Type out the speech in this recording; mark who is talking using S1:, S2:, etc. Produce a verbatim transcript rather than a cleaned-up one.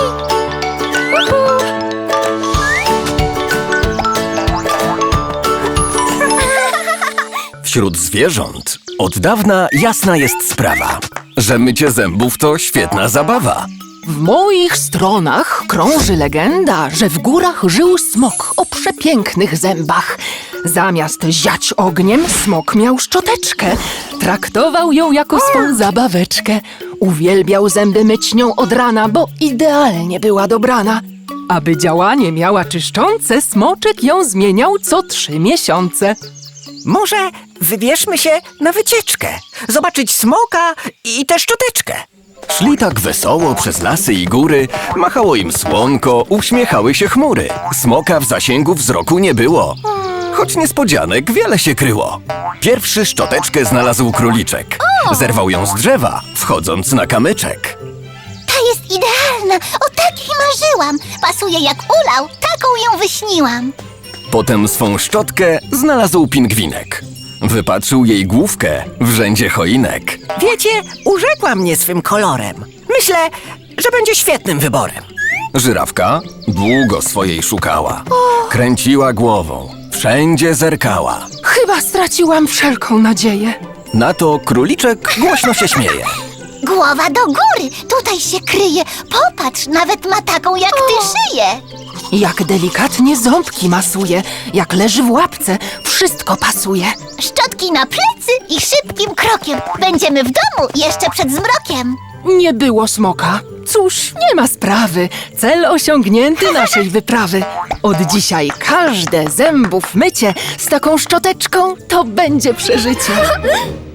S1: Wśród zwierząt od dawna jasna jest sprawa, że mycie zębów to świetna zabawa.
S2: W moich stronach krąży legenda, że w górach żył smok o przepięknych zębach. Zamiast ziać ogniem, smok miał szczoteczkę. Traktował ją jako swą zabaweczkę. Uwielbiał zęby myć nią od rana, bo idealnie była dobrana. Aby działanie miała czyszczące, smoczek ją zmieniał co trzy miesiące.
S3: Może wybierzmy się na wycieczkę, zobaczyć smoka i tę szczoteczkę.
S1: Szli tak wesoło przez lasy i góry, machało im słonko, uśmiechały się chmury. Smoka w zasięgu wzroku nie było, choć niespodzianek wiele się kryło. Pierwszy szczoteczkę znalazł króliczek. Zerwał ją z drzewa, wchodząc na kamyczek.
S4: Ta jest idealna, o takiej marzyłam. Pasuje jak ulał, taką ją wyśniłam.
S1: Potem swą szczotkę znalazł pingwinek. Wypatrzył jej główkę w rzędzie choinek.
S3: Wiecie, urzekła mnie swym kolorem. Myślę, że będzie świetnym wyborem.
S1: Żyrawka długo swojej szukała. Kręciła głową, wszędzie zerkała.
S2: Chyba straciłam wszelką nadzieję.
S1: Na to króliczek głośno się śmieje.
S4: Głowa do góry, tutaj się kryje. Popatrz, nawet ma taką jak ty szyję.
S2: Jak delikatnie ząbki masuje, jak leży w łapce, wszystko pasuje.
S4: Szczotki na plecy i szybkim krokiem. Będziemy w domu jeszcze przed zmrokiem.
S2: Nie było smoka. Cóż, nie ma sprawy. Cel osiągnięty naszej wyprawy. Od dzisiaj każde zębów mycie z taką szczoteczką to będzie przeżycie.